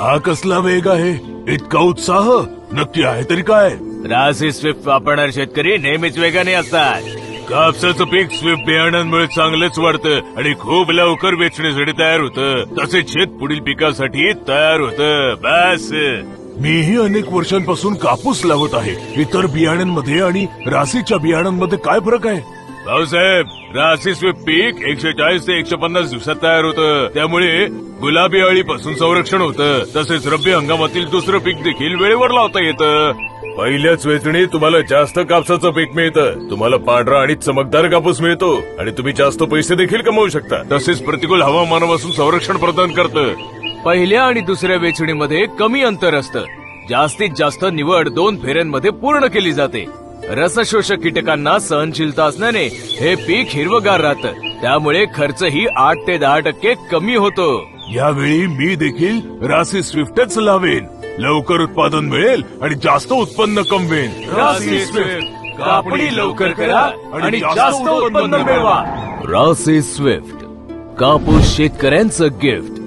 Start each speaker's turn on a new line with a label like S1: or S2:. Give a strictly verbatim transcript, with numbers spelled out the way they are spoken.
S1: हा कसला वेग आहे, इतका उत्साह नक्की आहे तरी काय?
S2: रासी स्विफ्ट वापरणारे शेतकरी नेहमीच वेगाने असतात.
S1: कापसाचं पीक स्विफ्ट बियाण्यांमुळे चांगलंच वाढतं आणि खूप लवकर वेचण्यासाठी तयार होतं. तसेच शेत पुढील पिकासाठी तयार होतं. बस मीही अनेक वर्षांपासून कापूस लावत आहे. इतर बियाण्यांमध्ये आणि राशीच्या बियाण्यांमध्ये काय फरक आहे? भाऊसाहेब, रासी स्विफ्ट पीक एकशे चाळीस ते एकशे पन्नास दिवसात तयार होतं. त्यामुळे गुलाबी अळीपासून संरक्षण होतं. तसेच रब्बी हंगामातील दुसरं पीक देखील वेळेवर लावता येतं. पहिल्याच वेचणीत तुम्हाला जास्त कापसाचं पीक मिळतं. तुम्हाला पांढरा आणि चमकदार कापूस मिळतो आणि तुम्ही जास्त पैसे देखील कमवू शकता. तसेच प्रतिकूल हवामानापासून संरक्षण प्रदान करतं.
S2: पहिल्या आणि दुसऱ्या वेचणीमध्ये कमी अंतर असतं. जास्तीत जास्त निवड दोन फेऱ्यांमध्ये पूर्ण केली जाते. रसशोषक कीटकांना सहनशीलता असल्याने हे पीक हिरवगार राहतं. त्यामुळे खर्चही आठ ते दहा टक्के कमी होतो.
S1: यावेळी मी देखील रासी स्विफ्टच लावेन. लवकर उत्पादन मिळेल आणि जास्त उत्पन्न कमवेन.
S2: रासी स्विफ्ट, कापणी लवकर करा आणि जास्त उत्पन्न मिळवा. रासी स्विफ्ट, कापूस शेतकऱ्यांचं गिफ्ट.